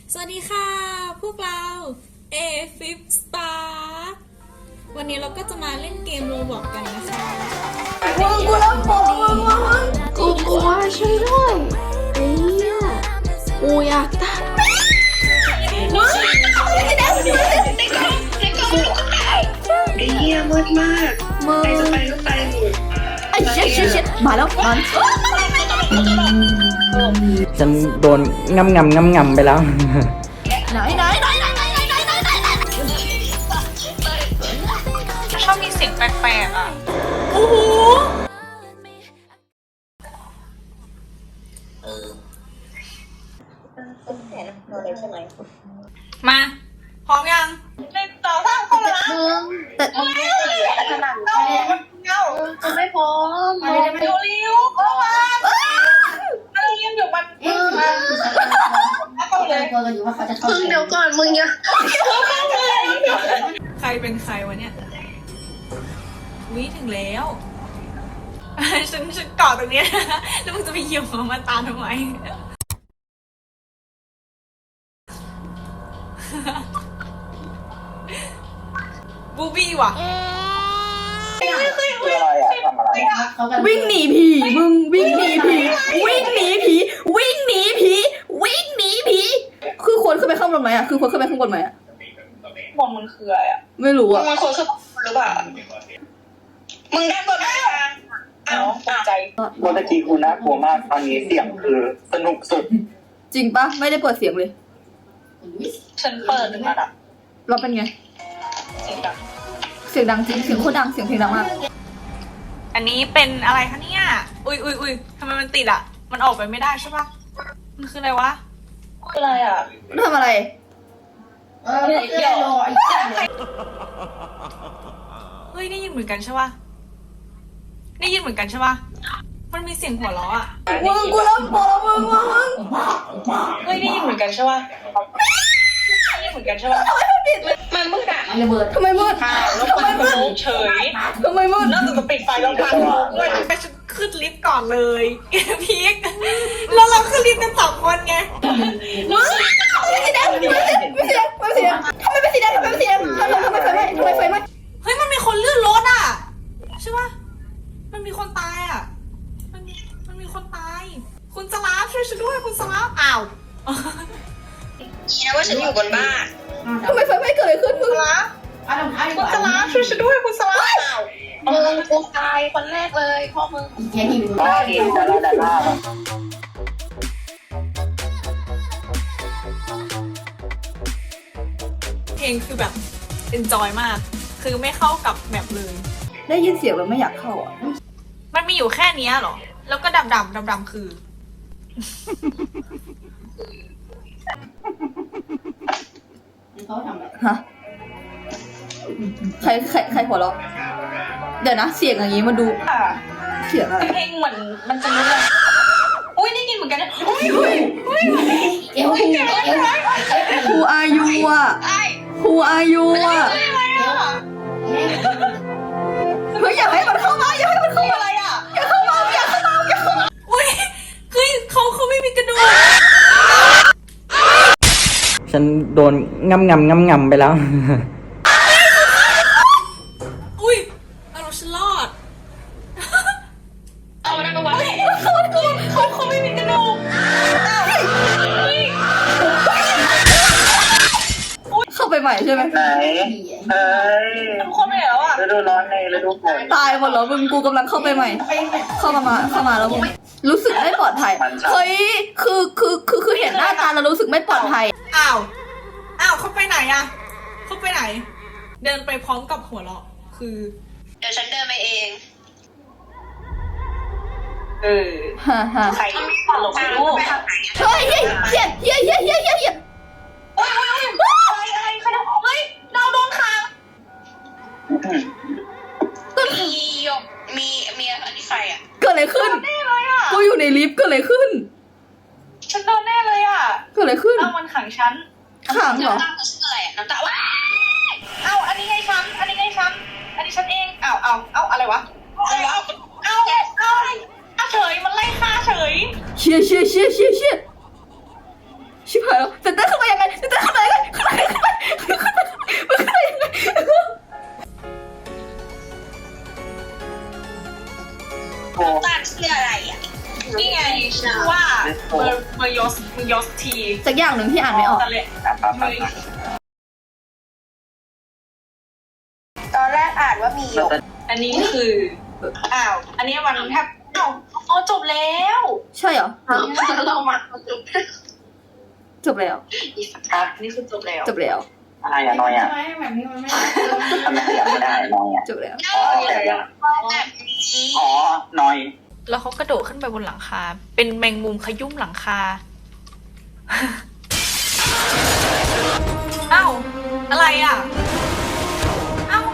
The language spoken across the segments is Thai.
สวัสดีค่ะพวกเรา A-Fib Spark วันนี้เราก็จะมาเล่นเกมโรบล็อกกันนะคะมึงกูรับบอกมึงกูกลัวช่วยด้วยไอ้เหี้ยกูอยากตายมึงไอ้เหี้ยมืดมากใครจะไปก็ไปหมดไอ้เช็ดมาแล้วมันฉันโดนงำไปแล้วไหนชอบมีเสียงแปลกๆอ่ะโอ้โหมาพร้อมยังเล่นต่อสร้างคนละแต่ขนาดจะไม่พร้อมเร็วๆเข้ามาเราเรียนอยู่มันเข้าเลยมึงเดี๋ยวก่อนมึงอย่าใครเป็นใครวะเนี่ยวิถึงแล้วฉันเกาะตรงนี้แล้วมึงจะไปเหยียบหัวมาตาทำไมบูบี้ว่ะวิ่งหนีผีมึงวิ่งหนีผีคือคนขึ้นไปข้างบนไหมอ่ะบนมันคืออะไรอ่ะไม่รู้อ่ะมันคนคือหรือเปล่ามึงได้บทได้อ้าวตกใจเมื่อกี้คุณน่ากลัวมากตอนนี้เสียงคือสนุกสุดจริงปะไม่ได้เปิดเสียงเลยฉันเปิดหนึ่งระดับเราเป็นไงเสียงดังเสียงดังจริงเสียงโคตรดังเสียงเพลงดังมากอันนี้เป็นอะไรคะเนี่ยอุ้ยทำไมมันติดอ่ะมันออกไปไม่ได้ใช่ปะมันคืออะไรวะคืออะไรอ่ะทำอะไรเดี๋ยวเฮ้ยได้ยินเหมือนกันใช่ปะได้ยินเหมือนกันใช่ปะมันมีเสียงหัวเราะอ่ะมึงกูรับบอกมึงเฮ้ยได้ยินเหมือนกันใช่ปะได้ยินเหมือนกันใช่ปะมันมืดอ่ะทำไมมืดแล้วมันก็ลุกเฉยทำไมมืดแล้วจะปิดไฟแล้วพังด้วยไปฉันขึ้นลิฟต์ก่อนเลยพีคแล้วเราขึ้นลิฟต์กัน2 คนไงมึงไม่สีแดงทำไมไม่สีแดงทำไมไฟไหม้เฮ้ยมันมีคนเลื่อนรถอ่ะใช่ปะมันมีคนตายอ่ะมันมีคนตายคุณสลาฟช่วยฉันด้วยคุณสลาฟอ้าวนี่นะว่าฉันอยู่บนบ้านทำไมไฟไหม้เกิดอะไรขึ้นมึงคุณสลาฟช่วยฉันด้วยคุณสลาฟอ้าวมึงกูตายคนแรกเลยพ่อมึงบ้าเองแต่ละบ้าเพลงคือแบบ enjoy มากคือไม่เข้ากับแมปเลยได้ยินเสียงแล้วไม่อยากเข้าอ่ะมันมีอยู่แค่นี้เหรอแล้วก็ดำคือฮะใครหัวเราะเดี๋ยวนะเสียงอย่างนี้มาดูเสียงอะไรเพลงเหมือนมันจะรู้เลยอุ้ยได้ยินเหมือนกันนะอุ้ย Who are you อ่ะ Who are you อ่ะเฮ้ยอยากให้มันเข้ามาอะไรอ่ะอย่าเข้ามาอุ้ยเฮ้ยเขาไม่มีกระดูกฉันโดนงำไปแล้วอุ้ยเอาฉันรอดเอามันเอาไว้เขาไม่มีกระดูกเข้าไปใหม่ใช่ไหมไหนทุกคนไปแล้วอ่ะฤดูร้อนในฤดูฝนตายหมดแล้วมึงกูกำลังเข้าไปใหม่เข้ามาแล้วมึงรู้สึกไม่ปลอดภัยเฮ้ยคือเห็นหน้าตาแล้วรู้สึกไม่ปลอดภัยอ้าวเขาไปไหนอะเขาไปไหนเดินไปพร้อมกับหัวเราะคือเดี๋ยวฉันเดินไปเองฮ่าใครตลกไม่รู้เฮ้ยเฮียโอ้ยอะไรใครทำเฮ้ยเราโดนขังมีอันนี้ใครอ่ะเกิดอะไรขึ้นกูอยู่ในลิฟต์เกิดอะไรขึ้นฉันโดนแน่เลยอ่ะเกิดอะไรขึ้นเอามันขังฉันขังเหรออะไรน้ำตาว้าเอาอันนี้ไงฉันอันนี้ฉันเองเอาอะไรวะเอาเฉยมันไล่ฆ่าเฉยเชี่ยชิบหายแล้วเต้นขึ้นมายังไงเต้นขึ้นมายังไงขึ้นมายังไงขึ้นมายังไงโอ้ตัดคืออะไรอ่ะนี่ไงชื่อว่าเมยอสทีสักอย่างหนึ่งที่อ่านไม่ออกตะเละตอนแรกอ่านว่ามีหยกอันนี้คืออ้าวอันนี้วันแทบอ้าวอ๋อจบแล้วใช่เหรอเรามาจบแล้วครับอันนี้คือจบแล้วจบแล้วอะไรอะนอยอะแบบนี้มันไม่ทำไมขยับไม่ได้นอยอะจบแล้วอ๋อแต่ยังแบบนี้อ๋อนอยแล้วเขากระโดดขึ้นไปบนหลังคา เป็นแมงมุมขยุ่มหลังคา อ้าวอะไรอ่ะอ้าว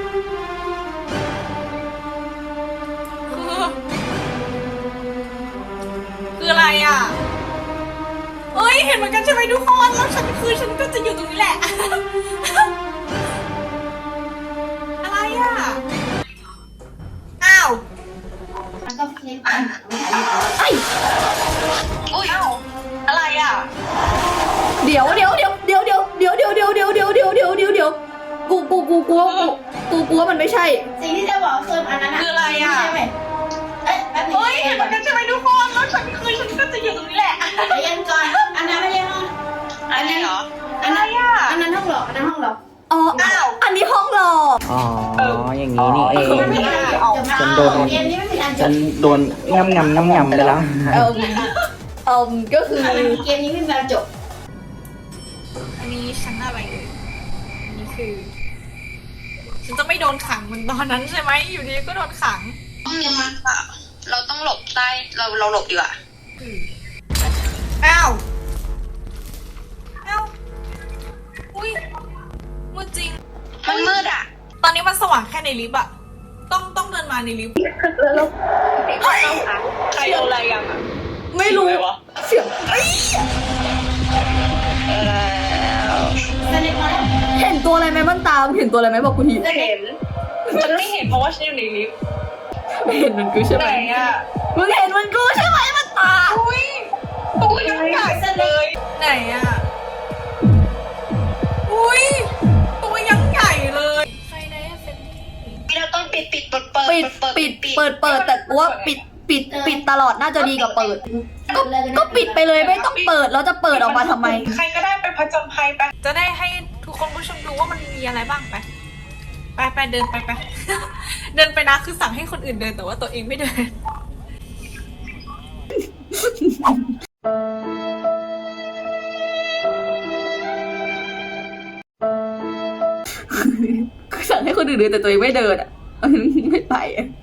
คืออะไรอ่ะเอ้ยเห็นเหมือนกันใช่ไหมทุกคนแล้วฉันก็จะอยู่ตรงนี้แหละ อะไรอ่ะอ้าวไอ้อุ้ยอ้าวอะไรอ่ะเดี๋ยวกูกลัวมันไม่ใช่สิ่งที่จะบอกคืออันนั้นคืออะไรอ่ะใช่ไหมเอ้ยแป๊บนึงเฮ้ยเห็นเหมือนกันใช่ไหมทุกคนแล้วฉันก็จะอยู่ตรงนี้แหละใจเย็นก่อนอันนั้นไม่ใช่ห้องอันนี้เหรออะไรอ่ะอันนั้นห้องหลอกอันนั้นห้องหลอกอ๋ออ้าวอันนี้ห้องหลอกอ๋อ อย่างนี้นี่เองมันไม่ได้จะมาฉันโดนเกมนี้ไม่มีอันจฉับนโดนงำไปแล้วก็คือเกมนี้ไม่มีอันจบอันนี้ฉันอะไรเอ่ยอันนี้คือ ฉันจะไม่โดนขังเหมือนตอนนั้นใช่ไหมอยู่ดีก็โดนขังเราต้องหลบใต้เราหลบดีกว่าอ้าวอ้าวอุ้ยมืดจริงมันมืดอ่ะตอนนี้มันสว่างแค่ในลิฟต์อะต้องเดินมาในลิฟต์ ใครเอาอะไรยังอะไม่รู้เสียงสนิทมาแล้วเห็นตัวอะไรไหมมันตามเห็นตัวอะไรไหมบอกกูทีเห็น ฉันไม่เห็นเพราะว่าฉันอยู่ในลิฟต์ไม่เห็นมันกูใช่ไหไหมนอะมึงเห็นมันกูใช่ไหมมันตามอุ้ยตัวยังใหญ่เลยไหนอะอุ้ยตัวยังใหญ่เลยใครนะเฟนนี่เราต้องปิดเปิดเปิดแต่กูว่าปิดตลอดน่าจะดีกว่าเปิด ก็ปิดไปเลยไม่ต้องเปิดแล้วจะเปิดออกมาทำไมใครก็ได้ไปผจญภัยไป จะได้ให้ทุกคนผู้ชมดูว่ามันมีอะไรบ้างไปเดินไป เดินไปนะคือสั่งให้คนอื่นเดินแต่ว่าตัวเองไม่เดินคือสั่งให้คนอื่นเดินแต่ตัวเองไม่เดินอ่ะ ไม่ไปอ่ะ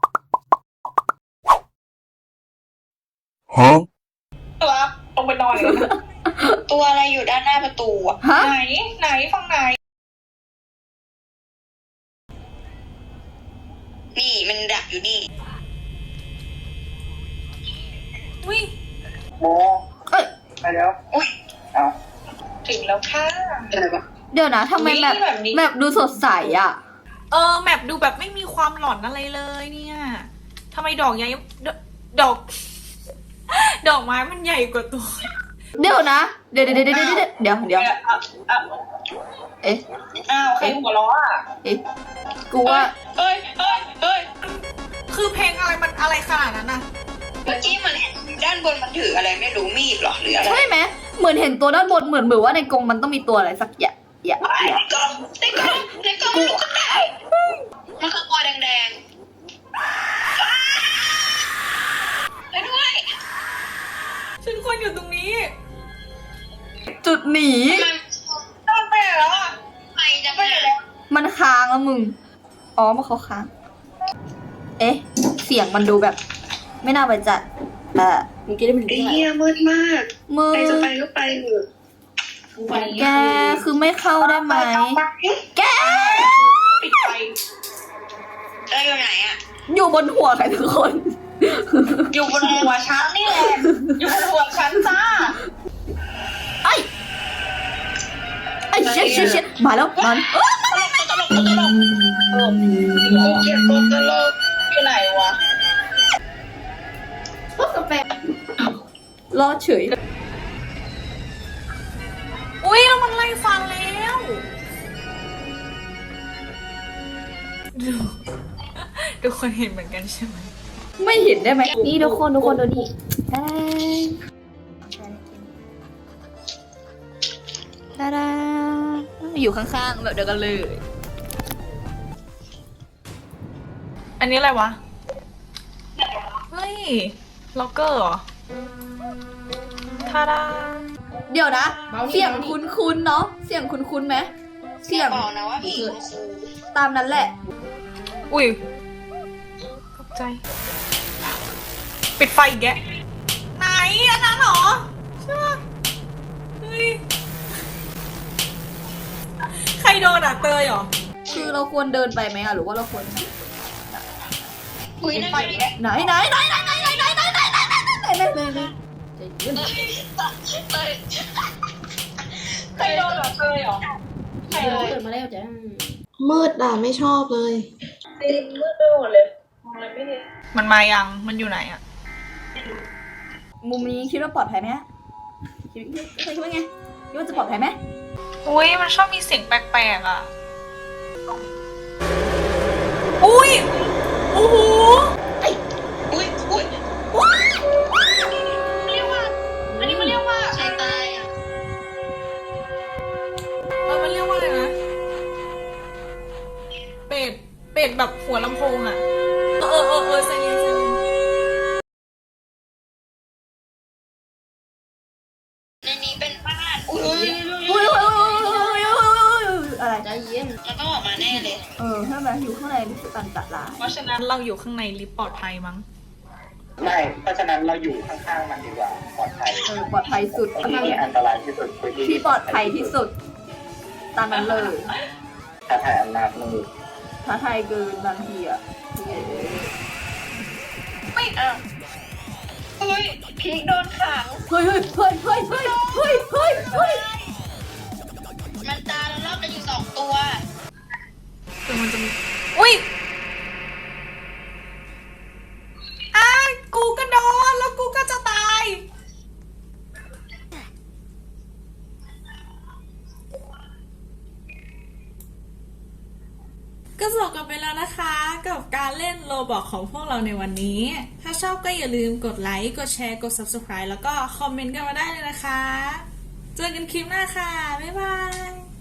ตัวลงไปนอนเลยนะตัวอะไรอยู่ด้านหน้าประตูอ่ะฮะไหนฝั่งไหนนี่มันดักอยู่นี่อุ้ยโมเอ้ยไปแล้วอุ้ยเอาถึงแล้วค่ะอะไรวะเดี๋ยวนะทำไมแบบดูสดใสอ่ะแมปดูแบบไม่มีความหลอนอะไรเลยเนี่ยทำไมดอกใหญ่ดอก ดอกไม้มันใหญ่กว่าตัวเดี๋ยวนะ เดี๋ยว เอ๊ะอ้าวใครหัวเราะอ่ะเอ๊ะ กูว่าเฮ้ยคือเพลงอะไรมันอะไรขนาดนั้นน่ะเมื่อกี้มันเห็นด้านบนมันถืออะไรไม่รู้มีดหรอหรืออะไรใช่ไหมเหมือนเห็นตัวด้านบนเหมือนว่าในกรงมันต้องมีตัวอะไรสักอย่างในกล่องมันก็ได้มันคือตัวแดงไปด้วยฉันควรอยู่ตรงนี้จุดหนีมันนอนไปไหนแล้วอ่ะไปจะไปแล้วมันค้างแล้วมึง อ๋อมันเขาค้าง เอ๊ะ เสียงมันดูแบบ ไม่น่าไปจัดเมื่อกี้ได้เป็นเฮียมืดมากมึงใครจะไปก็ไปเถอะแกคือไม่เข้าได้ไหม แกปิดไฟแล้วอยู่ไหนอ่ะอยู่บนหัวใครทุกคนอยู่บนหัวฉันนี่แหละอยู่บนหัวฉันจ้าไอ้เช็ดมาแล้วมันตลกกูเกลียดคนตลกอยู่ไหนวะพวกกาแฟรอดเฉยฟันแล้วดูทุกคนเห็นเหมือนกันใช่ไหมไม่เห็นได้ไหมนี่ทุกคนดูนี่ดาดาอยู่ข้างๆแบบเดียวกันเลยอันนี้อะไรวะ เฮ้ย ล็อกเกอร์เหรอทาดาเดี๋ยวนะ เสียงคุ้นๆเนาะเสียงคุ้นๆไหมเสียงบอกนะว่าผีคุณครูตามนั้นแหละอุ้ยตกใจ ปิดไฟอีกแกะไหนอันนั้นเหรอใช่ปะเฮ้ย ใครโดนอ่ะเตยเหรอคือเราควรเดินไปไหมอะหรือว่าเราควรอุ้ยนั่นไงไหนใจเย็นใครโดนเหรอเตยเหรอใครโดนเปิดมาแล้วจ้ะมืดอ่ะไม่ชอบเลยจริงมืดไปหมดเลยมองอะไรไม่เห็นมันมายัง มันอยู่ไหนอ่ะมุมนี้คิดว่าปลอดภัยไหมคิดว่าไงคิดว่าจะปลอดภัยไหมอุ้ยมันชอบมีเสียงแปลกๆอ่ะ อุ้ย โอ้โหอุ้ยเรียกว่าอันนี้มันเรียกว่าใครตายอ่ะมันเรียกว่าอะไรนะ เป็ดแบบหัวลำโพงอ่ะ ใจเย็นในนี้เป็นบ้านอุ้ยอะไรใจเย็นมันต้องออกมาแน่เลยใช่ไหมอยู่ข้างในรู้สึกตันตะลาเพราะฉะนั้นเราอยู่ข้างในลิฟต์ปลอดภัยมั้งไม่เพราะฉะนั้นเราอยู่ข้างๆมันดีกว่าปลอดภัยปลอดภัยสุดที่นี่อันตรายที่สุดคือที่ปลอดภัยที่สุดตามนั้นเลยถ้าถ่ายอำนาจมือท้าทายเกินบางทีอ่ะไม่เอาเฮ้ยพีคโดนขังเฮ้ยมันตายแล้วรอบกันอยู่2 ตัวแต่มันจะมีอุ้ยกูก็โดนแล้วกูก็จะตาย ก็จบกันไปแล้วนะคะกับการเล่นโลบอกของพวกเราในวันนี้ ถ้าชอบก็อย่าลืมกดไลค์ กดแชร์ กด Subscribe แล้วก็คอมเมนต์กันมาได้เลยนะคะ เจอกันคลิปหน้าค่ะ บ๊ายบาย